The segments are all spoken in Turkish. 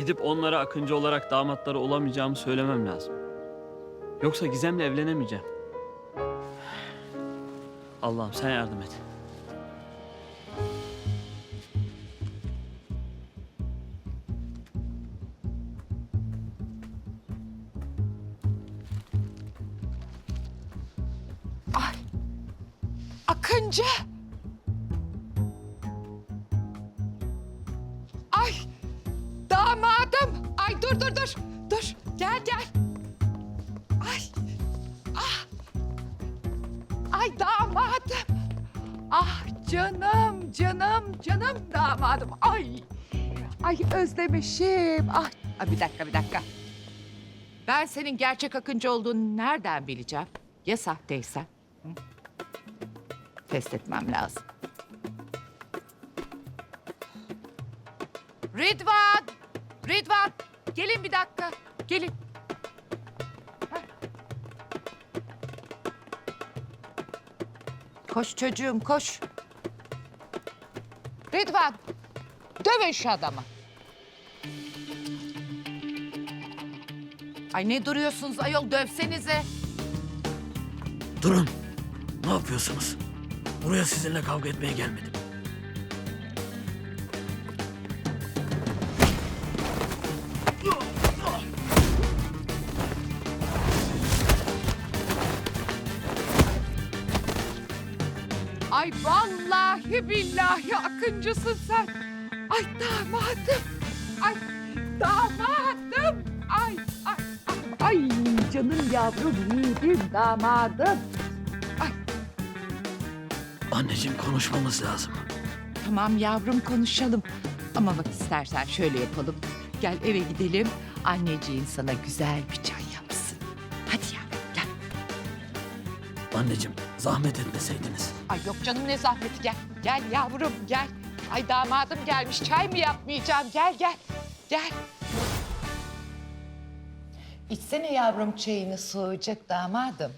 Gidip onlara Akıncı olarak damatları olamayacağımı söylemem lazım. Yoksa Gizem'le evlenemeyeceğim. Allah'ım sen yardım et. Ay, Akıncı. Ay, damadım. Ay dur. Dur, gel. Ay, ay damadım. Ah canım damadım. Ay özlemişim. Ay bir dakika. Ben senin gerçek Akıncı olduğunu nereden bileceğim? Ya sahteysen? Hı? Test etmem lazım. Ridvan, gelin bir dakika. Gelin. Heh. Koş çocuğum, koş. Ridvan, dövün şu adamı. Ay ne duruyorsunuz ayol, dövsenize. Durun. Ne yapıyorsunuz? Buraya sizinle kavga etmeye gelmedim. Ay vallahi billahi Akıncısın sen. Ay damadım. Ay damadım. Ay canım yavrum yiğidim damadım. Ay Anneciğim konuşmamız lazım. tamam yavrum konuşalım. Ama bak istersen şöyle yapalım. Gel eve gidelim. Anneciğin sana güzel bir çay yapsın. Hadi yavrum gel. Anneciğim zahmet etmeseydiniz. Ay yok canım ne zahmeti gel. Gel yavrum gel. Ay damadım gelmiş çay mı yapmayacağım gel. İçsene yavrum çayını soğuyacak damadım.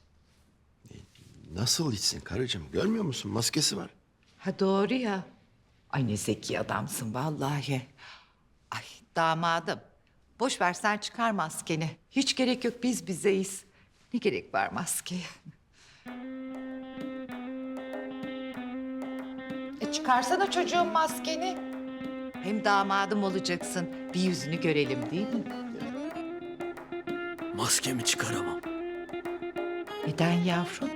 Nasıl içsin karıcığım? Görmüyor musun? Maskesi var. Ha doğru ya. Ay ne zeki adamsın vallahi. Ay damadım. Boş ver sen çıkar maskeni. Hiç gerek yok biz bizeyiz. Ne gerek var maskeye? Çıkarsana çocuğun maskeni. Hem damadım olacaksın. Bir yüzünü görelim değil mi? Maskemi çıkaramam. Neden yavrum?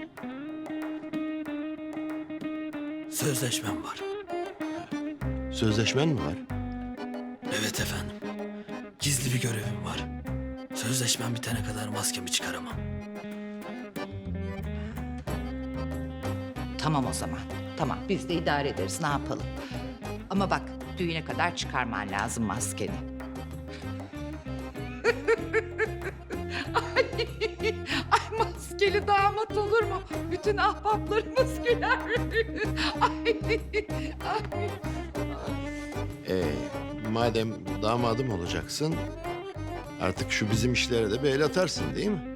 Sözleşmem var. Sözleşmen mi var? Evet efendim. Gizli bir görevim var. Sözleşmem bitene kadar maskemi çıkaramam. Tamam o zaman. Tamam biz de idare ederiz ne yapalım. Ama bak düğüne kadar çıkarman lazım maskeni. Ay maskeli damat olur mu? Bütün ahbaplarımız güler. Ay. Madem damadım olacaksın, artık şu bizim işlere de bir el atarsın değil mi?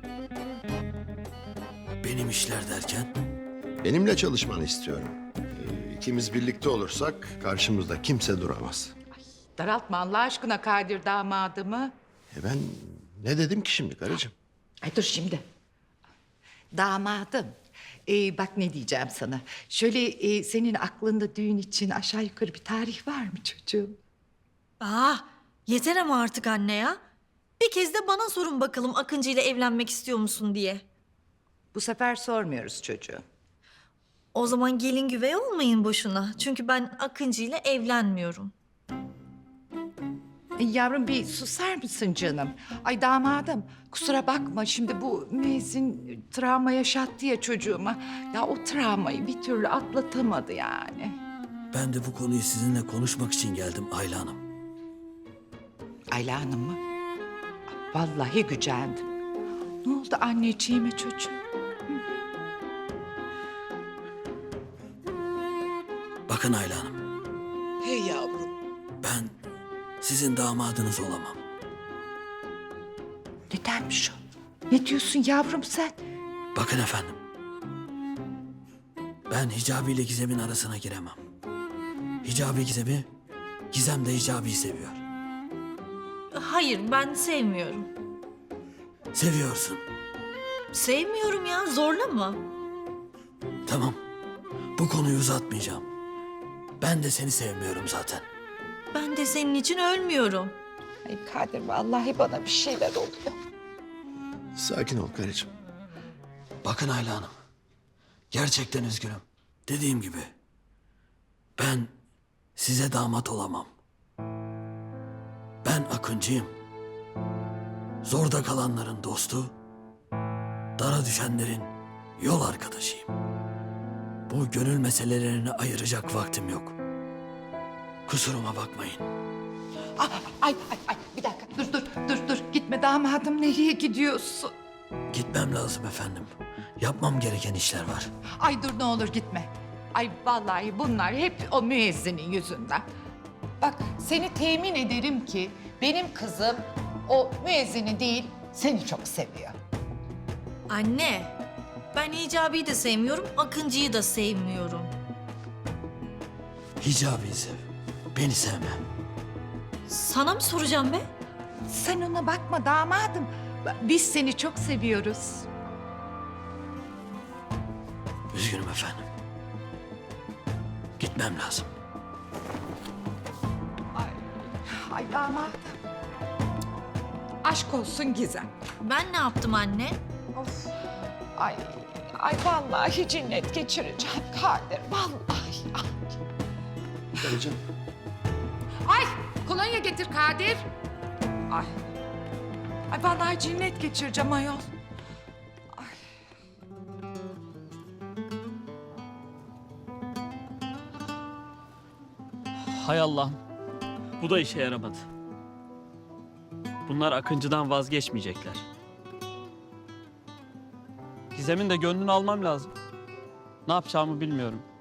Benim işler derken Benimle çalışmanı istiyorum. İkimiz birlikte olursak karşımızda kimse duramaz. Daraltma Allah aşkına Kadir damadımı. Ben ne dedim ki şimdi karıcığım? Ay dur şimdi. Damadım. Bak ne diyeceğim sana. Şöyle senin aklında düğün için aşağı yukarı bir tarih var mı çocuğum? Yeter ama artık anne ya. Bir kez de bana sorun bakalım Akıncı ile evlenmek istiyor musun diye. Bu sefer sormuyoruz çocuğu. O zaman gelin güvey olmayın boşuna. Çünkü ben Akıncı ile evlenmiyorum. Yavrum bir susar mısın canım? Ay damadım kusura bakma şimdi bu müezzin travma yaşattı ya çocuğuma. Ya o travmayı bir türlü atlatamadı yani. ben de bu konuyu sizinle konuşmak için geldim Ayla Hanım. Ayla Hanım mı? Vallahi gücendim. Ne oldu anneciğime çocuğum? Bakın Ayla Hanım, Hey yavrum. ben sizin damadınız olamam. Nedenmiş o? Ne diyorsun yavrum sen? Bakın efendim, ben Hicabi ile Gizem'in arasına giremem. Hicabi Gizem'i, Gizem de Hicabi'yi seviyor. Hayır, ben sevmiyorum. Seviyorsun. Sevmiyorum ya, zorla mı? Tamam. Bu konuyu uzatmayacağım. Ben de seni sevmiyorum zaten. Ben de senin için ölmüyorum. Ay Kadir vallahi bana bir şeyler oluyor. Sakin ol karıcığım. Bakın Ayla Hanım. Gerçekten üzgünüm. Dediğim gibi. Ben size damat olamam. Ben Akıncıyım. Zorda kalanların dostu, dara düşenlerin yol arkadaşıyım. Bu gönül meselelerini ayıracak vaktim yok. Kusuruma bakmayın. Ay bir dakika dur gitme damadım nereye gidiyorsun? Gitmem lazım efendim. Yapmam gereken işler var. Ay dur ne olur gitme. Ay vallahi bunlar hep o müezzinin yüzünden. Bak seni temin ederim ki benim kızım o müezzini değil seni çok seviyor. Anne, ben Hicabi'yi de sevmiyorum, Akıncı'yı da sevmiyorum. Hicabi'yi sev. Beni sevme. Sana mı soracağım be? Sen ona bakma damadım. Biz seni çok seviyoruz. Üzgünüm efendim. Gitmem lazım. Ay damadım. Aşk olsun Gizem. Ben ne yaptım anne? Of. Ay vallahi cinnet geçireceğim Kadir. Vallahi. Karıcığım. Ay kolonya getir Kadir. Ay. Ay vallahi cinnet geçireceğim ayol. Hay Allah'ım. Bu da işe yaramadı. Bunlar Akıncı'dan vazgeçmeyecekler. Gizem'in de gönlünü almam lazım. Ne yapacağımı bilmiyorum.